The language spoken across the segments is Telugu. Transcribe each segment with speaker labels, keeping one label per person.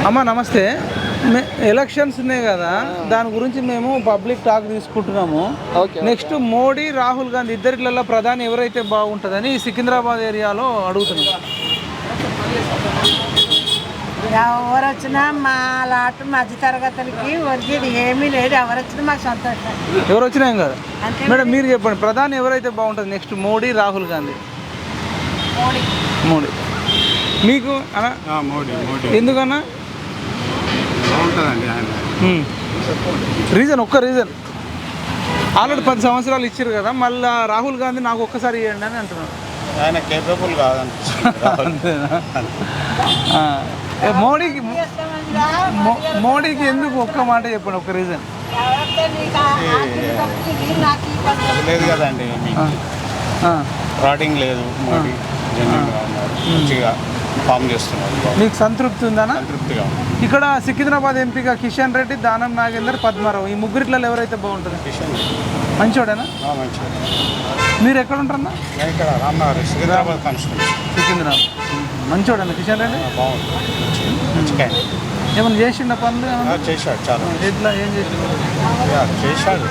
Speaker 1: అమ్మ నమస్తే. ఎలక్షన్స్ ఉన్నాయి కదా, దాని గురించి మేము పబ్లిక్ టాక్ తీసుకుంటున్నాము. నెక్స్ట్ మోడీ రాహుల్ గాంధీ ఇద్దరిట్లలో ప్రధాని ఎవరైతే బాగుంటుందని సికింద్రాబాద్ ఏరియాలో అడుగుతున్నాం.
Speaker 2: ఎవరు వచ్చినా మా లాటు మధ్య తరగతులకి ఒరిగేది ఏమీ లేదు. ఎవరు వచ్చినా మాకు సంతోషం.
Speaker 1: ఎవరు వచ్చినా ఏం కదా మేడం, మీరు చెప్పండి ప్రధాని ఎవరైతే బాగుంటుంది నెక్స్ట్ మోడీ రాహుల్ గాంధీ? మోడీ. మీకు అన్నా ఎందుకన్నా రీజన్? ఒక్క రీజన్. ఆల్రెడీ 10 సంవత్సరాలు ఇచ్చారు కదా, మళ్ళీ రాహుల్ గాంధీ నాకు ఒక్కసారి ఇవ్వండి అని అంటున్నాను.
Speaker 3: ఆయన కేపబుల్ కాదండి.
Speaker 1: మోడీకి ఎందుకు ఒక్క మాట చెప్పండి, ఒక్క రీజన్.
Speaker 3: లేదు కదండి, ఫ్రాడింగ్ లేదు. మోడీ జెన్యూన్గా ఉన్నారు, మంచిగా ఫామ్ చేస్తున్నారు.
Speaker 1: మీకు సంతృప్తి ఉందనా?
Speaker 3: సంతృప్తిగా ఉంది.
Speaker 1: ఇక్కడ సికింద్రాబాద్ ఎంపీగా కిషన్ రెడ్డి, దానం నాగేందర్, పద్మారావు, ఈ ముగ్గురిట్లలో ఎవరైతే బాగుంటుంది?
Speaker 3: కిషన్
Speaker 1: మంచోడేనా?
Speaker 3: మంచిగా.
Speaker 1: మీరు ఎక్కడ ఉంటారన్నా?
Speaker 3: ఇక్కడ రామ్నగర్ సికింద్రాబాద్ కాన్స్టిట్యూన్సీ.
Speaker 1: సికింద్రాబాద్. మంచోడేనా కిషన్ రెడ్డి?
Speaker 3: బాగుంది, మంచిగా.
Speaker 1: ఏమైనా చేసిండ పనులు?
Speaker 3: చేశాడు, చాలా.
Speaker 1: ఎట్లా ఏం చేసిండు?
Speaker 3: చేశాడు.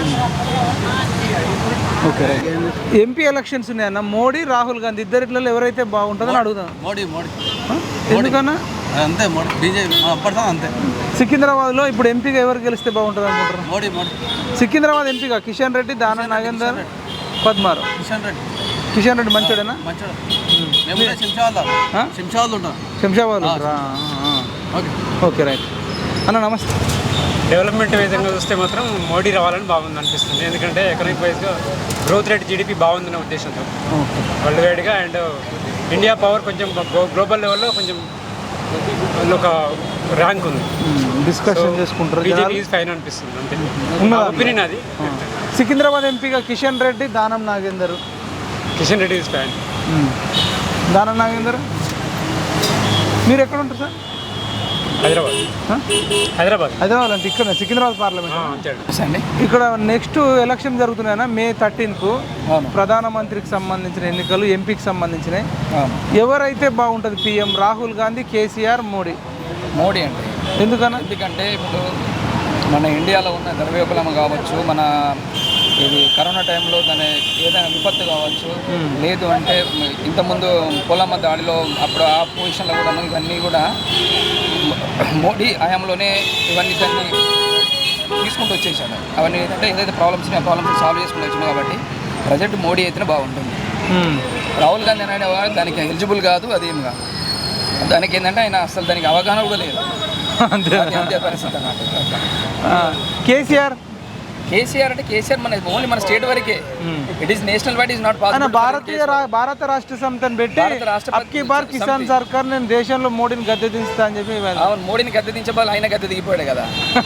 Speaker 1: ఓకే. ఎంపీ ఎలక్షన్స్ ఉన్నాయన్న, మోడీ రాహుల్ గాంధీ ఇద్దరిట్లలో ఎవరైతే బాగుంటుందని అడుగుతాను.
Speaker 4: మోడీ.
Speaker 1: ఎందుకన్నా?
Speaker 4: అంతే, మోడీ బీజేపీ అప్పటిదా అంతే.
Speaker 1: సికింద్రాబాద్లో ఇప్పుడు ఎంపీగా ఎవరు గెలిస్తే బాగుంటుంది అనుకుంటారు?
Speaker 4: మోడీ.
Speaker 1: సికింద్రాబాద్ ఎంపీగా కిషన్ రెడ్డి, దానం నాగేందర్, పద్మారావు. కిషన్ రెడ్డి మంచోడేనా? శంషాబాద్ ఉంటారా? ఓకే రైట్ అన్న, నమస్తే.
Speaker 5: డెవలప్మెంట్ విధంగా చూస్తే మాత్రం మోడీ రావాలని బాగుంది అనిపిస్తుంది. ఎందుకంటే ఎకనామిక్ వైజ్గా గ్రోత్ రేట్ జీడిపి బాగుందనే ఉద్దేశంతో వరల్డ్ వైడ్గా. అండ్ ఇండియా పవర్ కొంచెం గ్లోబల్ లెవెల్లో కొంచెం ఒక ర్యాంక్ ఉంది.
Speaker 1: డిస్కషన్ చేసుకుంటారు.
Speaker 5: బీజేపీ ఈజ్ ఫైన్ అనిపిస్తుంది అంతే, ఒపీనియన్ అది.
Speaker 1: సికింద్రాబాద్ ఎంపీగా కిషన్ రెడ్డి, దానం నాగేందర్.
Speaker 5: Kishan Reddy is fine.
Speaker 1: దానం నాగేందర్. మీరు ఎక్కడ ఉంటారు సార్?
Speaker 5: హైదరాబాద్
Speaker 1: అంటే ఇక్కడ సికింద్రాబాద్ పార్లమెంట్. ఇక్కడ నెక్స్ట్ ఎలక్షన్ జరుగుతున్నాయన్నా మే 13కు ప్రధానమంత్రికి సంబంధించిన ఎన్నికలు, ఎంపీకి సంబంధించినవి. ఎవరైతే బాగుంటుంది పిఎం? రాహుల్ గాంధీ, కేసీఆర్, మోడీ?
Speaker 6: మోడీ అండి. ఎందుకంటే ఇప్పుడు మన ఇండియాలో ఉన్న ద్రవ్యోపలమ కావచ్చు, మన ఇది కరోనా టైంలో దాని ఏదైనా విపత్తు కావచ్చు, లేదు అంటే ఇంతకుముందు పొలమ్మ దాడిలో అప్పుడు ఆ పొజిషన్లో కూడా ఇవన్నీ కూడా మోడీ హయాంలోనే ఇవన్నీ దాన్ని తీసుకుంటూ వచ్చేసాడు. అవన్నీ ఏంటంటే ఏదైతే ప్రాబ్లమ్స్ ఉన్నాయో ఆ ప్రాబ్లమ్స్ సాల్వ్ చేసుకుంటూ వచ్చినాయి. కాబట్టి ప్రజెంట్ మోడీ అయితేనే బాగుంటుంది. రాహుల్ గాంధీ అనేవాడు దానికి ఎలిజిబుల్ కాదు, అదేం కాదు. దానికి ఏంటంటే ఆయన అసలు దానికి అవగాహన కూడా లేదు. అంతే పరిస్థితి అన్నమాట.
Speaker 1: కేసీఆర్
Speaker 6: అంటే కేసీఆర్ మన ఓన్లీ మన స్టేట్ వరకే. It is national wide is not possible.
Speaker 1: భారత రాష్ట్ర సమితిని పెట్టి అబ్కీ బార్ కిసాన్ సర్కార్ నేను దేశంలో మోడీని గద్దె దించుతా అని చెప్పి.
Speaker 6: అవును, మోడీని గద్దె దించబోలు ఆయన గద్దె దిగిపోయాడు కదా.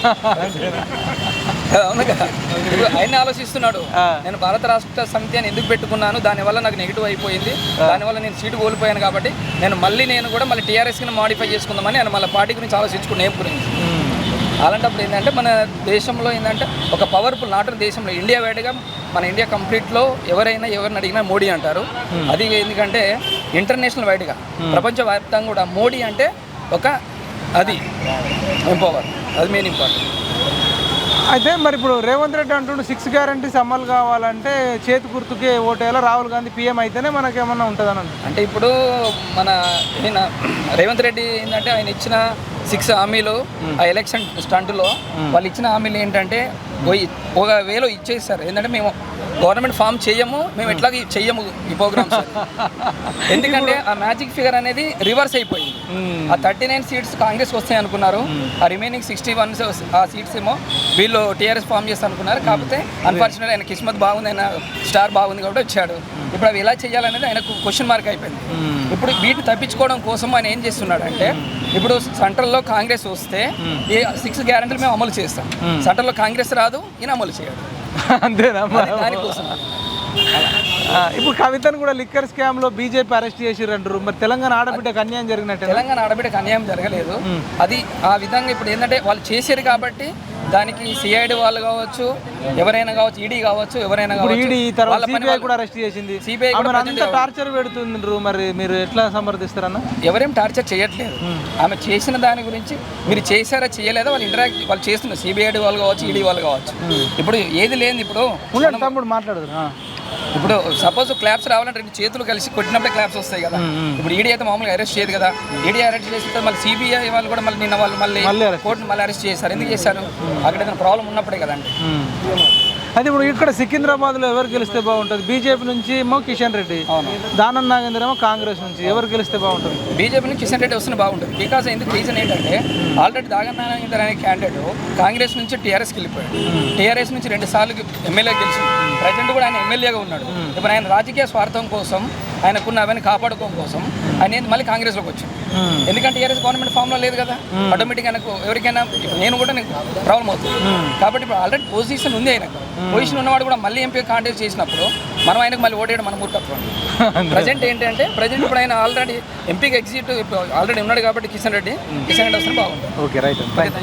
Speaker 6: అవును కదా, ఇప్పుడు ఆయన ఆలోచిస్తున్నాడు, నేను భారత రాష్ట్ర సమితి అని ఎందుకు పెట్టుకున్నాను, దానివల్ల నాకు నెగిటివ్ అయిపోయింది, దానివల్ల నేను సీటు కోల్పోయాను, కాబట్టి నేను కూడా మళ్ళీ టీఆర్ఎస్కి మాడిఫై చేసుకుందామని ఆయన మళ్ళీ పార్టీ గురించి ఆలోచించుకుని ఏం గురించి. అలాంటప్పుడు ఏంటంటే మన దేశంలో ఏంటంటే ఒక పవర్ఫుల్ నాటు దేశంలో ఇండియా వైడ్గా మన ఇండియా కంప్లీట్లో ఎవరిని అడిగినా మోడీ అంటారు. అది ఎందుకంటే ఇంటర్నేషనల్ వైడ్గా ప్రపంచవ్యాప్తంగా కూడా మోడీ అంటే ఒక అది ఎంపవర్, అది మెయిన్ ఇంపార్టెంట్.
Speaker 1: అయితే మరి ఇప్పుడు రేవంత్ రెడ్డి అంటుండే 6 గ్యారంటీస్ అమలు కావాలంటే చేతి గుర్తుకే ఓటేలా, రాహుల్ గాంధీ పీఎం అయితేనే మనకేమన్నా ఉంటుందని
Speaker 6: అంటే ఇప్పుడు మన రేవంత్ రెడ్డి ఏంటంటే ఆయన ఇచ్చిన 6 హామీలు ఆ ఎలక్షన్ స్టంట్లో వాళ్ళు ఇచ్చిన హామీలు ఏంటంటే ఒకవేళ ఇచ్చేస్తారు. ఏంటంటే మేము గవర్నమెంట్ ఫామ్ చేయము, మేము ఎట్లాగ చెయ్యము ఈ ప్రోగ్రామ్స్. ఎందుకంటే ఆ మ్యాజిక్ ఫిగర్ అనేది రివర్స్ అయిపోయింది. ఆ 39 సీట్స్ కాంగ్రెస్కి వస్తాయి అనుకున్నారు, ఆ రిమైనింగ్ 61 ఆ సీట్స్ ఏమో వీళ్ళు టీఆర్ఎస్ ఫామ్ చేస్తారు అనుకున్నారు. కాకపోతే అన్ఫార్చునేట్ ఆయన కిస్మత్ బాగుంది, ఆయన స్టార్ బాగుంది కాబట్టి వచ్చాడు. ఇప్పుడు అవి ఎలా చేయాలనేది ఆయనకు క్వశ్చన్ మార్క్ అయిపోయింది. ఇప్పుడు వీటిని తప్పించుకోవడం కోసం ఆయన ఏం చేస్తున్నాడు అంటే, ఇప్పుడు సెంట్రల్లో కాంగ్రెస్ వస్తే ఈ 6 గ్యారెంటీలు మేము అమలు చేస్తాం, సెంట్రల్లో కాంగ్రెస్ రాదు, ఈయన అమలు చేయడు.
Speaker 1: అంతేనా?
Speaker 6: దానికోసం
Speaker 1: ఇప్పుడు కవితను కూడా లిక్కర్ స్కామ్ లో బీజేపీ అరెస్ట్ చేసిర్రంటారు. మరి తెలంగాణ ఆడబిడ్డకు అన్యాయం జరిగినట్టు?
Speaker 6: తెలంగాణ ఆడబిడ్డకు అన్యాయం జరగలేదు. అది ఆ విధంగా ఇప్పుడు ఏంటంటే వాళ్ళు చేశారు కాబట్టి దానికి సిఐడి వాళ్ళు కావచ్చు, ఎవరైనా కావచ్చు, ఈడీ కావచ్చు, ఎవరైనా
Speaker 1: ఇప్పుడు
Speaker 6: కావచ్చు,
Speaker 1: ఈడీ తర్వాత
Speaker 6: వాళ్ళ పని
Speaker 1: సిబిఐ
Speaker 6: వాళ్ళు-
Speaker 1: కూడా అరెస్ట్ చేసింది.
Speaker 6: CBI కూడా
Speaker 1: ఆమెను
Speaker 6: present
Speaker 1: అంత టార్చర్ పెడుతుండ్రు, మరి మీరు ఎట్లా సమర్థిస్తారన్న?
Speaker 6: ఎవరేం టార్చర్ చేయట్లేదు. ఆమె చేసిన దాని గురించి మీరు చేశారా చేయలేదా వాళ్ళు వాళ్ళు చేస్తున్నారు. సిబిఐడి వాళ్ళు కావచ్చు, ఈడీ వాళ్ళు కావచ్చు. ఇప్పుడు ఏది లేదు. ఇప్పుడు
Speaker 1: ఉండండి తమ్ముడు మాట్లాడదు.
Speaker 6: ఇప్పుడు సపోజ్ క్లాప్స్ రావాలంటే 2 చేతులు కలిసి కొట్టినప్పుడే క్లాప్స్ వస్తాయి కదా. ఇప్పుడు ఈడీ అయితే మామూలుగా అరెస్ట్ చేయదు కదా. ఈడీ అరెస్ట్ చేస్తే మళ్ళీ సిబిఐ వాళ్ళు కూడా మళ్ళీ నిన్న వాళ్ళు మళ్ళీ కోర్టును మళ్ళీ అరెస్ట్ చేశారు. ఎందుకు చేశారు? అక్కడ ఏదైనా ప్రాబ్లం ఉన్నప్పుడే కదండి.
Speaker 1: అది ఇప్పుడు ఇక్కడ సికింద్రాబాద్లో ఎవరు గెలిస్తే బాగుంటుంది? బీజేపీ నుంచి ఏమో కిషన్ రెడ్డి, దానం నాగేంద్ర ఏమో కాంగ్రెస్ నుంచి. ఎవరు గెలిస్తే బాగుంటుంది?
Speaker 6: బీజేపీ నుంచి కిషన్ రెడ్డి వస్తున్న బాగుంటుంది. బికాజ్ ఎందుకు రీజన్ ఏంటంటే ఆల్రెడీ దానం నాగేంద్ర అనే క్యాండిడేట్ కాంగ్రెస్ నుంచి టీఆర్ఎస్కి వెళ్ళిపోయాడు. టీఆర్ఎస్ నుంచి 2 సార్లు ఎమ్మెల్యే గెలిచింది. ప్రజెంట్ కూడా ఆయన ఎమ్మెల్యేగా ఉన్నాడు. ఇప్పుడు ఆయన రాజకీయ స్వార్థం కోసం, ఆయనకున్న అవన్నీ కాపాడుకోవడం కోసం ఆయన మళ్ళీ కాంగ్రెస్లోకి వచ్చాడు. ఎందుకంటే టీఆర్ఎస్ గవర్నమెంట్ ఫామ్లో లేదు కదా. ఆటోమేటిక్గా ఆయనకు ఎవరికైనా ఇప్పుడు నేను కూడా ప్రాబ్లం అవుతుంది. కాబట్టి ఇప్పుడు ఆల్రెడీ పొజిషన్ ఉంది ఆయనకు. పొజిషన్ ఉన్నవాడు కూడా మళ్ళీ ఎంపీ కాంటెస్ట్ చేసినప్పుడు మనం ఆయనకు మళ్ళీ ఓటేయడం మన మూర్ఖత్వం. ప్రజెంట్ ఏంటంటే ఇప్పుడు ఆయన ఆల్రెడీ ఎంపీకి ఎగ్జిట్ ఆల్రెడీ ఉన్నాడు కాబట్టి కిషన్ రెడ్డి వస్తే బాగుంటుంది.
Speaker 1: Okay right.